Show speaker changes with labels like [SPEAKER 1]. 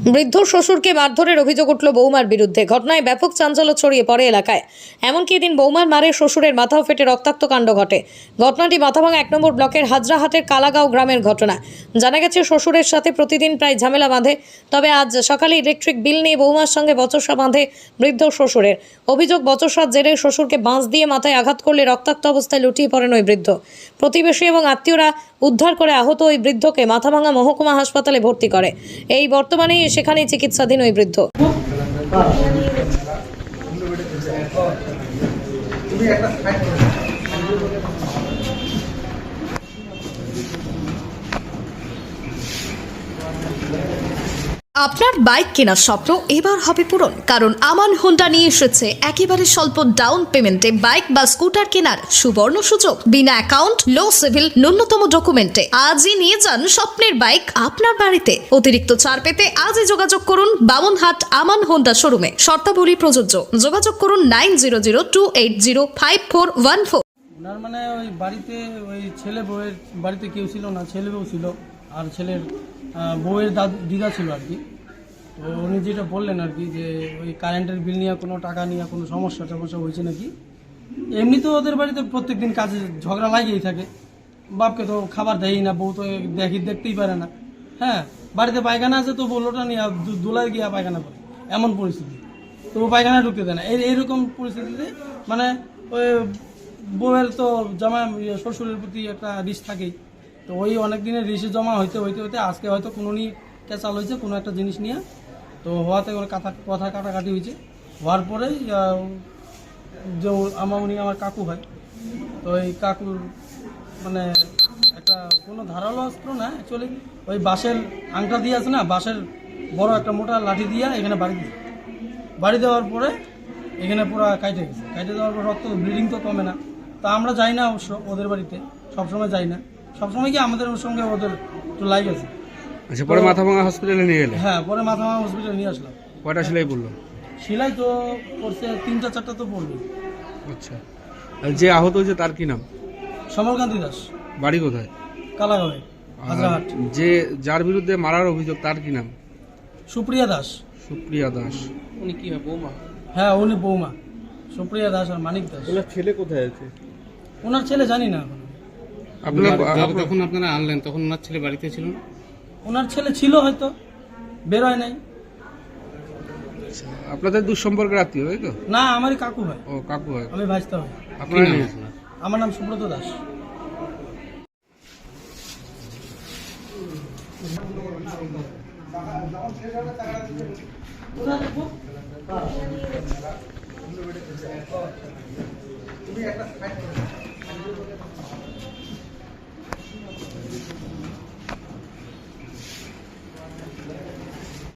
[SPEAKER 1] বৃদ্ধ শ্বশুরকে মারধরের অভিযোগ উঠল বৌমার বিরুদ্ধে। ঘটনায় ব্যাপক চাঞ্চল্য ছড়িয়ে পড়ে এলাকায়। এমনকি এদিন বৌমার মারে শ্বশুরের মাথাও ফেটে রক্তাক্ত কাণ্ড ঘটে। ঘটনাটি মাথাভাঙা 1 নম্বর ব্লকের হাজরাহাটের কালাগাঁও গ্রামের ঘটনা। জানা গেছে, শ্বশুরের সাথে প্রতিদিন প্রায় ঝামেলা বাঁধে। তবে আজ সকালে ইলেকট্রিক বিল নিয়ে বৌমার সঙ্গে বচসা বাঁধে বৃদ্ধ শ্বশুরের। অভিযোগ, বচসার জেরে শ্বশুরকে বাঁশ দিয়ে মাথায় আঘাত করলে রক্তাক্ত অবস্থায় লুটিয়ে পড়েন ওই বৃদ্ধ। প্রতিবেশী এবং আত্মীয়রা উদ্ধার করে আহত ওই বৃদ্ধকে মাথাভাঙা মহকুমা হাসপাতালে ভর্তি করে। এই বর্তমানে সেখানেই চিকিৎসাধীন ওই বৃদ্ধ।
[SPEAKER 2] আপনার বাইক কেনার স্বপ্ন এবার হবে পূরণ, কারণ আমান হোন্ডা নিয়ে এসেছে একেবারে স্বল্প ডাউন পেমেন্টে বাইক বা স্কুটার কেনার সুবর্ণ সুযোগ। বিনা অ্যাকাউন্ট, লো সিভিল, ন্যূনতম ডকুমেন্টে আজই নিয়ে যান স্বপ্নের বাইক আপনার বাড়িতে। অতিরিক্ত ছাড় পেতে আজই যোগাযোগ করুন বামনহাট আমান হোন্ডা শোরুমে। শর্তাবলী প্রযোজ্য। যোগাযোগ করুন 9002805414।
[SPEAKER 3] ওনার মানে ওই বাড়িতে ওই ছেলে বউয়ের বাড়িতে কেউ ছিল না, ছেলে বউ ছিল আর ছেলের বউয়ের দিদা ছিল আর কি। তো উনি যেটা বললেন আর কি, যে ওই কারেন্টের বিল নিয়ে কোনো টাকা নিয়ে কোনো সমস্যা হয়েছে নাকি। এমনি তো ওদের বাড়িতে প্রত্যেকদিন কাজে ঝগড়া লাগিয়েই থাকে। বাপকে তো খাবার দেয়ই না, বউ তো দেখতেই পারে না। হ্যাঁ, বাড়িতে পায়খানা আছে তো বলোটা নিয়ে দোলায় গিয়া পায়খানা করে, এমন পরিস্থিতি। তো ও পায়খানা ঢুকতে দেয় না। এইরকম পরিস্থিতিতে মানে ওই বউয়ের তো শ্বশুরের প্রতি একটা রিস থাকেই। তো ওই অনেক দিনের রিসে জমা হইতে আজকে হয়তো কোনো নিয়ে ক্যাচাল হয়েছে কোনো একটা জিনিস নিয়ে। তো হওয়াতে ওর কথা কাটাকাটি হয়েছে। হওয়ার পরেই যে উনি আমার কাকু হয়। তো ওই কাকুর মানে একটা কোনো ধারালো অস্ত্র না, অ্যাকচুয়ালি ওই বাঁশের আংটা দিয়ে আছে না, বাঁশের বড় একটা মোটা লাঠি দিয়ে এখানে বাড়ি দেওয়ার পরে এখানে পুরো কাটে গেছে। কাটে দেওয়ার পর রক্ত ব্লিডিং তো কমে না। তা আমরা যাই না অবশ্য ওদের বাড়িতে, সবসময় যাই না। সবসময় কি আমাদের ওর সঙ্গে ওদের একটু লাইক আছে।
[SPEAKER 4] আচ্ছা, পরে মাথাভাঙা হসপিটালে নিয়ে গেলে?
[SPEAKER 3] হ্যাঁ, পরে মাথাভাঙা হসপিটালে নিয়ে আসলাম।
[SPEAKER 4] কয়টা সেলাই পড়লো?
[SPEAKER 3] সেলাই তো করছে 3-4টা তো পড়বে।
[SPEAKER 4] আচ্ছা, আর যে আহত হয়েছে তার কি নাম?
[SPEAKER 3] সমরকান্তি দাস।
[SPEAKER 4] বাড়ি কোথায়?
[SPEAKER 3] কালাগাঁওয়ে, হাজরাহাট।
[SPEAKER 4] যার বিরুদ্ধে মারার অভিযোগ তার কি নাম?
[SPEAKER 3] সুপ্রিয়া দাস।
[SPEAKER 4] সুপ্রিয়া দাস।
[SPEAKER 3] উনি কি বৌমা? হ্যাঁ, উনি বৌমা। সুপ্রিয়া দাস আর মানিক দাস।
[SPEAKER 4] ওনার ছেলে কোথায় আছে?
[SPEAKER 3] ওনার ছেলে জানি না এখন।
[SPEAKER 5] যখন আপনারা আনলেন তখন ওনার ছেলে বাড়িতে ছিল?
[SPEAKER 3] ওনার ছেলে ছিল, হয়তো বেরোয় নাই।
[SPEAKER 4] আপনাদের দুঃসম্পর্কের আত্মীয়, তাই তো?
[SPEAKER 3] না, আমারই কাকু হয়।
[SPEAKER 4] ও, কাকু হয়।
[SPEAKER 3] আমি ভাইস্তা হই।
[SPEAKER 4] আপনার নাম?
[SPEAKER 3] আমার নাম সুব্রত দাস।